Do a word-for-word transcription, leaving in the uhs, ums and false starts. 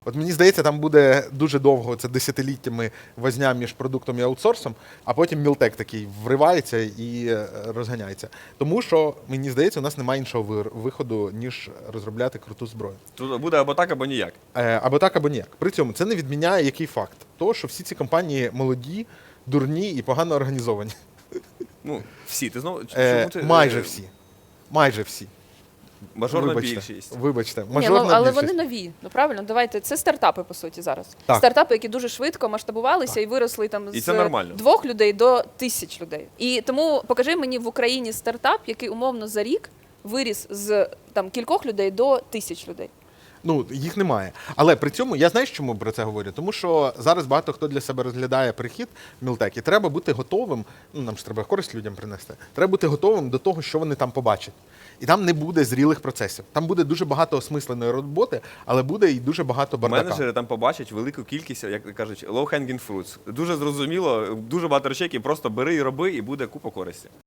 От мені здається, там буде дуже довго, це десятиліттями возня між продуктом і аутсорсом, а потім Мілтек такий вривається і е, розганяється. Тому що, мені здається, у нас немає іншого вир- виходу, ніж розробляти круту зброю. Тут буде або так, або ніяк. Е, Або так, або ніяк. При цьому це не відміняє який факт? То, що всі ці компанії молоді, дурні і погано організовані. Ну, всі. Ти знову Е, чому ти, майже е, всі. Майже всі. Мажорна Вибачте. більшість. Вибачте. Ні, ну, Мажорна але більшість. вони нові. Ну правильно, давайте. Це стартапи, по суті, зараз. Так. Стартапи, які дуже швидко масштабувалися і виросли там І з це нормально. двох людей до тисяч людей. І тому покажи мені в Україні стартап, який умовно за рік виріс з там кількох людей до тисяч людей. Ну, їх немає. Але при цьому я знаю, чому про це говорю. Тому що зараз багато хто для себе розглядає перехід в Мілтек, і треба бути готовим. Ну, нам ж треба користь людям принести. Треба бути готовим до того, що вони там побачать. І там не буде зрілих процесів. Там буде дуже багато осмисленої роботи, але буде і дуже багато бардака. Менеджери там побачать велику кількість, як кажуть, low-hanging fruits. Дуже зрозуміло, дуже багато речей, які просто бери і роби, і буде купа користі.